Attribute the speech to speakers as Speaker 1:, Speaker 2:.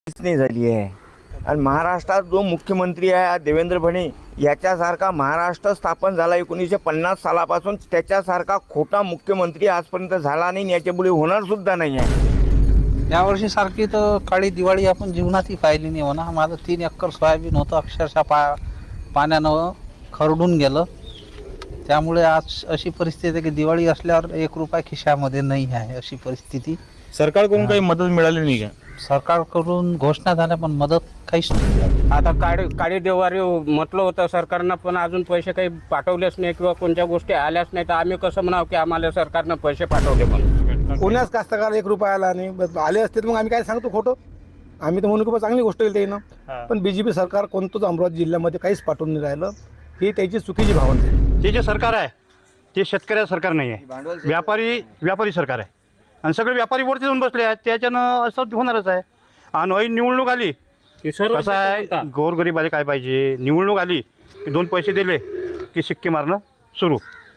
Speaker 1: नाही झाली आहे. आणि महाराष्ट्रात जो मुख्यमंत्री आहे देवेंद्र फडणवीस, याच्यासारखा महाराष्ट्र स्थापन झाला 1950 सालापासून, त्याच्यासारखा खोटा मुख्यमंत्री आजपर्यंत झाला नाही, याच्यापुढे होणार सुद्धा नाही आहे.
Speaker 2: यावर्षी सारखी तर काळी दिवाळी आपण जीवनातही पाहिली नाही म्हणा. माझं 3 एकर सोयाबीन होतं, अक्षरशः पाण्यानं खरडून गेलं. त्यामुळे आज अशी परिस्थिती आहे की दिवाळी असल्यावर 1 रुपया खिशामध्ये नाही आहे, अशी परिस्थिती.
Speaker 3: सरकारकडून काही मदत मिळाली नाही का?
Speaker 2: सरकारकडून घोषणा झाल्या पण मदत काहीच नाही.
Speaker 4: आता काळी देवारी म्हटलं होतं सरकारनं, पण अजून पैसे काही पाठवलेच नाही किंवा कोणत्या गोष्टी आल्याच नाही. तर आम्ही कसं म्हणावं की आम्हाला सरकारनं पैसे पाठवले पण
Speaker 5: कोणाच कास्तकार 1 रुपया आला नाही. बस आले असते तर मग आम्ही काय सांगतो खोटं. आम्ही तर म्हणून की बा चांगली गोष्ट केली त्यानं. पण बीजेपी सरकार कोणतंच अमरावती जिल्ह्यामध्ये काहीच पाठवून नाही राहिलं. ही त्याची चुकीची भावना आहे.
Speaker 6: ते जे सरकार आहे ते शेतकऱ्याचं सरकार नाही आहे, व्यापारी सरकार आहे. आणि सगळे व्यापारी वरती जाऊन बसले आहेत. त्याच्यानं असं होणारच आहे. आणि ऐन निवडणूक आली
Speaker 4: की सर्व
Speaker 6: कसं आहे, गोरगरीबाला काय पाहिजे, निवडणूक आली की 2 पैसे दिले की शिक्के मारणं सुरू.